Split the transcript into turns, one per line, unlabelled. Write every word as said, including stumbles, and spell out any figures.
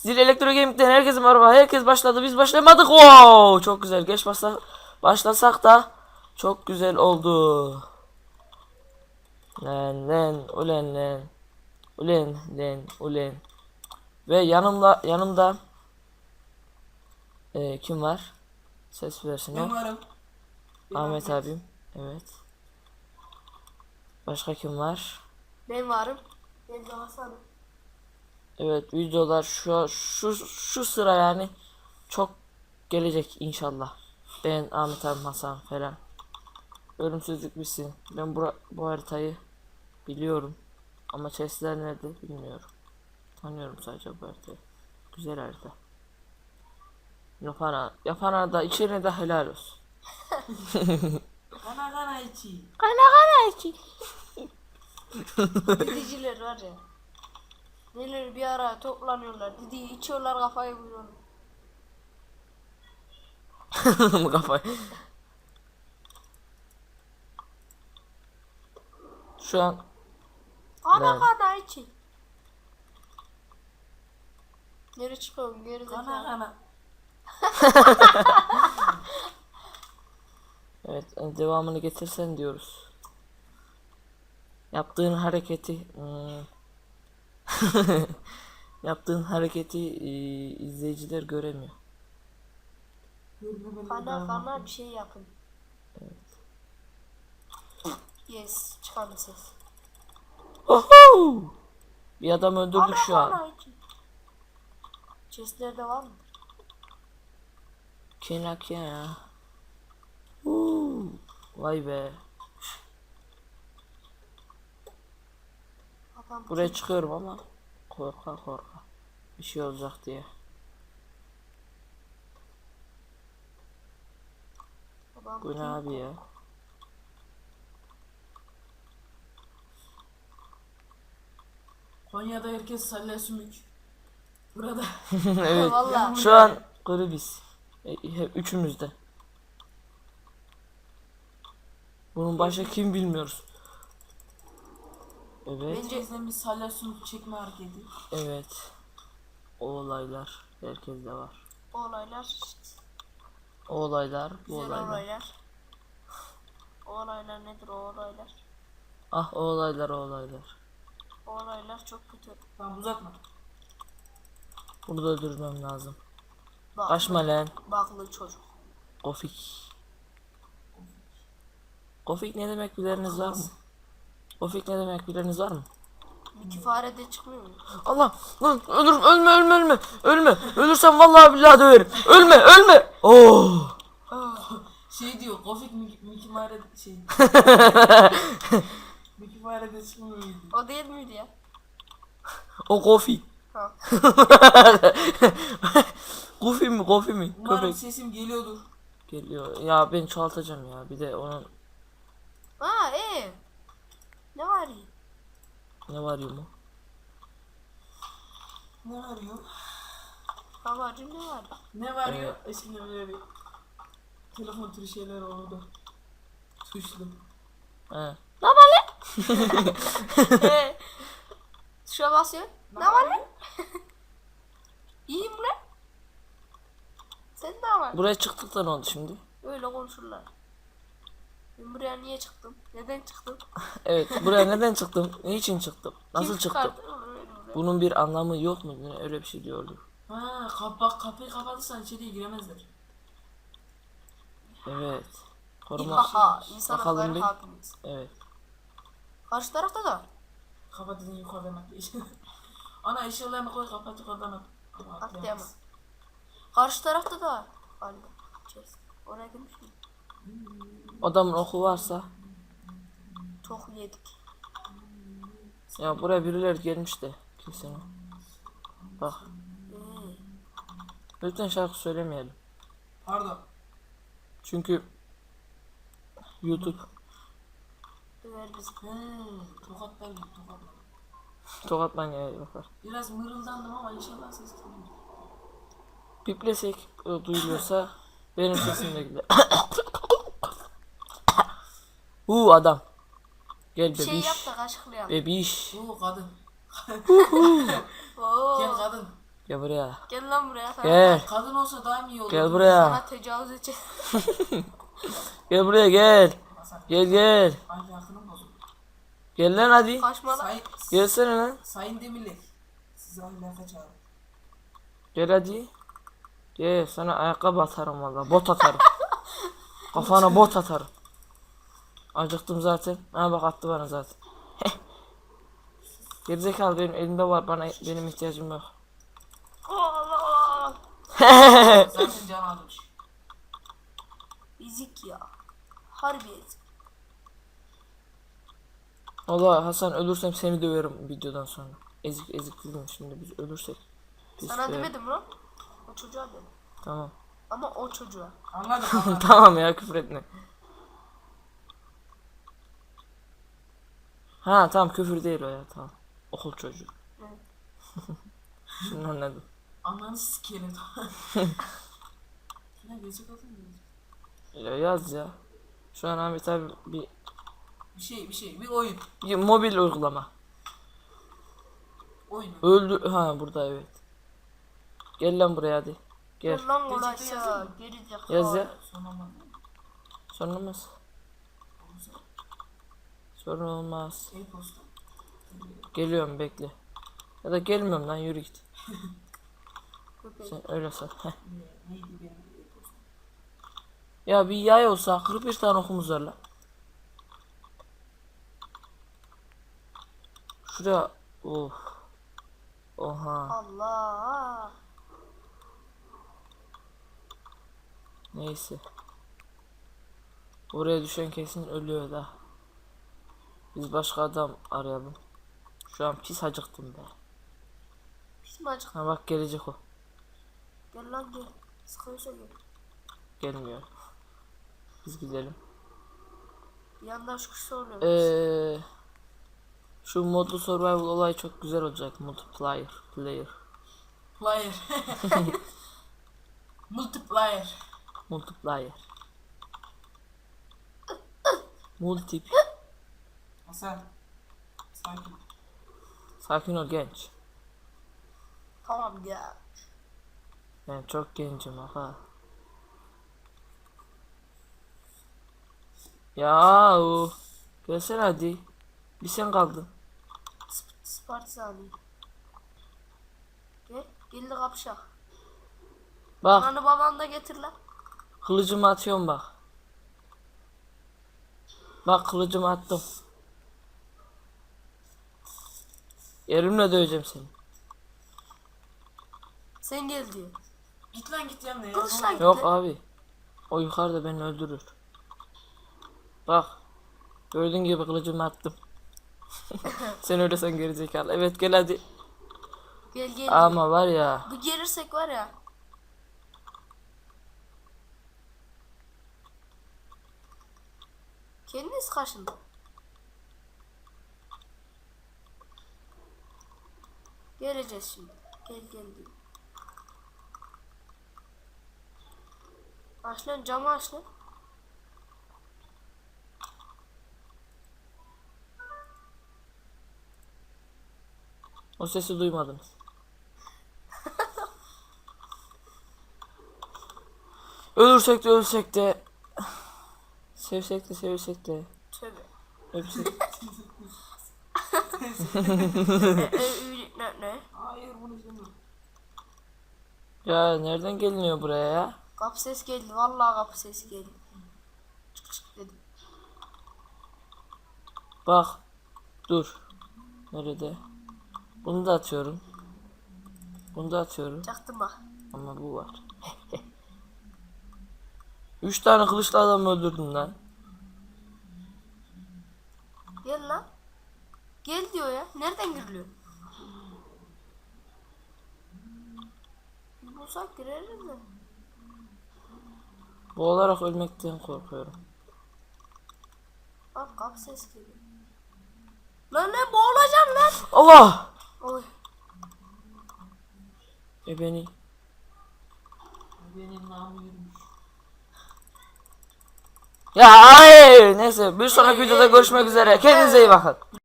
Zil Elektro Gaming'den herkese merhaba. Herkes başladı. Biz başlamadık. Wow! Çok güzel. Geç başla başlasak da çok güzel oldu. Len len ulen len. Ulen len ulen. Ve yanımda yanımda e, kim var? Ses versin o.
Ben varım. Ben
Ahmet
Ahmet.
abim. Evet. Başka kim var?
Ben varım. Ben de Hasan'ım.
Evet, videolar şu şu şu sıra yani çok gelecek inşallah. Ben Ahmet abi, Hasan falan. Ölümsüzlük bitsin. Ben bu, bu haritayı biliyorum. Ama chestler nerede bilmiyorum. Tanıyorum sadece bu haritayı. Güzel harita. Yapana, yapana da içine de helal olsun.
Kana kana içi.
Kana kana içi.
Didiciler var ya. Neler bir ara toplanıyorlar. Didi içiyorlar, kafayı vuruyorlar.
Kafayı. Şu an
Kana
Ben-
kana içi. Nereye çıkıyorum? Geri
Kana
zekalı.
kana.
evet, devamını getirsen diyoruz. Yaptığın hareketi hmm, yaptığın hareketi e, izleyiciler göremiyor.
Görme beni
Kana
daha
kana
bak.
bir şey yapın. Yes, çıkan ses.
Oho! Bir adam öldürdük
Kana
şu an.
kana içi. Chestlerde var mı?
Kenak ya. Uuu. Vay be.
Adam
Buraya çıkıyorum ama korka korka. Bir şey olacak diye.
adam
Bu ne abi ya?
Konya'da herkes salya sümük. Burada.
Evet.
Vallahi.
Şu an gribiz. E, he- üçümüz de. Bunun başka kim bilmiyoruz. Evet.
Bence bizden bir salya sümük çekme hareketi.
Evet. O olaylar herkeste var.
O olaylar işte.
O olaylar, bu
Güzel
olaylar.
olaylar. O olaylar nedir o olaylar?
Ah, o olaylar, o olaylar.
O olaylar çok kötü.
Tamam uzatma.
Bunu da öldürmem lazım.
Baklı,
Kaçma lan.
baklı çocuk.
Gofik. Gofik ne demek bileniniz var mı? Gofik ne demek bileniniz var mı?
Miki fare de çıkmıyor mu?
Allah lan, ölürüm, ölme ölme ölme ölme, ölürsem vallahi billahi döverim, ölme ölme. Oh.
Şey diyor, Kofik Miki Miki Mare şey. Miki Mare'de çıkmıyor muydu?
O değil miydi ya?
O Gofik.
Ha.
Gofi mi Gofi mi?
Umarım
Köpek
sesim geliyordur.
geliyor ya, ben çoğaltacağım ya, bir de onun
Ha ee. Ne var ya?
ne var ya mu?
Ne arıyor?
Babacım ne var?
Ne var ya? Eskiden böyle bir telefon türü şeyler oldu. Tuşlu.
He.
Ne var lan? Ee, Tuşa basıyor. Ne var lan? İyiyim lan. Sen ne var?
Buraya çıktık da ne oldu şimdi?
Öyle konuşurlar. Ben buraya niye çıktım? Neden çıktım?
Evet, buraya neden çıktım? Niçin çıktım? Nasıl
Kim
çıktım?
çıkardı onu öyle buraya?
Bunun bir anlamı yok mu? Yine öyle bir şey diyordu.
Ha, kap bak kapıyı kapatırsan içeriye giremezler.
Evet. Koruma.
Haha, insan
Bakalım
hakları
bir.
hakimiz.
Evet.
Karşı tarafta da.
Kapat dedin yukarıdan at. Ana eşyalarını koy kapat yukarıdan at. Ama
Atlayamaz.
atlayamaz.
Karşı tarafta da. Galiba. Chest. Oraya girmiş mi?
Adamın oku varsa.
Çok yedik.
Ya buraya birileri gelmiş de. Kesin o. Bak.
Ee,
Lütfen şarkı söylemeyelim.
Pardon.
Çünkü YouTube
döver bizi.
Hmm, tokatlar gibi tokatlar.
tokat manyağı yapar.
Biraz mırıldandım ama inşallah ses geliyor.
Piplesek e, duyuluyorsa benim sesim de gider. Uuu adam. Gel
Bir şey
bebiş.
yap da kaşıklayalım.
Bebiş.
Oo kadın.
Oo.
Gel kadın.
Gel buraya.
Gel lan buraya. Sana,
Gel.
Kadın olsa daha mı iyi olur?
Gel buraya.
sana tecavüz edecek.
Gel buraya gel.
Hasan.
Gel gel.
Ahlakını bozuldu.
Gel lan hadi.
Kaçma lan.
Sayın,
Gelsene lan.
sayın Demirlik. Sizi ahlaka çağırın.
Gel hadi. Gel sana ayakkabı atarım valla. Bot atarım. Kafana bot atarım. Acıktım zaten. Ha bak attı bana zaten. Gerizekalı benim elimde var. Bana benim ihtiyacım yok.
Allah.
Zaten can almış.
Ezik ya. Harbi ezik.
Valla Hasan ölürsem seni döverim videodan sonra. Ezik ezik dedim şimdi biz ölürsek. Pis
Sana
be.
demedim lan. O çocuğa dedim.
Tamam.
Ama o çocuğa.
Anladım anladım.
Tamam ya küfür etme. Ha tamam küfür değil o ya tamam. Okul çocuğu.
Evet.
Şimdi anladım.
Ananı sikerim. Ya gerçek adın ne?
Ya yaz ya. Şu an Ahmet abi bir,
Bir şey bir şey bir oyun.
bir mobil uygulama.
Oyun.
Öldü ha burada evet. Gel lan buraya hadi. Gel.
Gel lan
Gerçekten
ulaşsa.
yazıyor mu?
Geri zekalı.
Yaz ya.
Son olmadı.
Sorun olmaz. Sorun olmaz.
E-posta.
Geliyorum bekle. Ya da gelmiyorum lan yürü git.
Köpek.
Sen öyle sor. Heh.
Ne, neydi benim e-posta?
Ya bir yay olsa kırk bir tane okumuz var lan. Şuraya of. Oha.
Allah.
Neyse. Oraya düşen kesin ölüyor da. Biz başka adam arayalım. Şu an pis acıktım be.
Pis mi acık?
Ha bak gelecek o.
Gel lan gel. Sıkıyorsa gel.
Gelmiyor. Biz gidelim.
Bir yandan şu kişi oluyor.
Ee, şu modlu survival olayı çok güzel olacak. Multiplayer. Player.
Player. Multiplier.
Multiplayer. Multip.
Hasan. Sakin.
Sakin ol genç.
Tamam ya.
Ben çok gencim aha. Ya o. Gelsene hadi. Bir sen kaldın.
Sp- Spartani. Gel. Gel de kapışak.
Bak
Ananı babanı da getir lan.
kılıcımı atıyorum bak. Bak kılıcımı attım. Elimle döveceğim seni.
Sen gel diyor.
Git lan git yanına ya.
Kılıçla git.
Yok abi. O yukarıda beni öldürür. Bak. Gördüğün gibi kılıcımı attım. Sen öyle sen gerizekalı. Evet gel hadi.
Gel gel. diyor.
Ama var ya.
Bir gelirsek var ya. Kendiniz kaşın. Geleceğiz şimdi. Gel gel diyor. Aç lan camı aç lan.
O sesi duymadınız. Ölürsek de ölsek de. Sevsek de sevsek de.
Tövbe.
Öpsek.
E, e, ne ne?
Hayır bunu izlemiyorum.
Ya nereden geliniyor buraya ya?
Kapı ses geldi. Vallahi kapı ses geldi. Çık çık dedim.
Bak. Dur. Nerede? Bunu da atıyorum. Bunu da atıyorum.
Çaktım bak.
Ama bu var. Üç tane kılıçlı adam öldürdüm lan.
Gel lan. Gel diyor ya. Nereden giriliyor? Bir bulsak gireriz de.
Boğularak ölmekten korkuyorum.
Bak kapı ses geliyor. Lan ne boğulacağım lan.
Allah!
Oy.
E beni.
Benim namı yürümüş.
Ya hayır. Neyse bir sonraki videoda görüşmek üzere. Kendinize iyi bakın.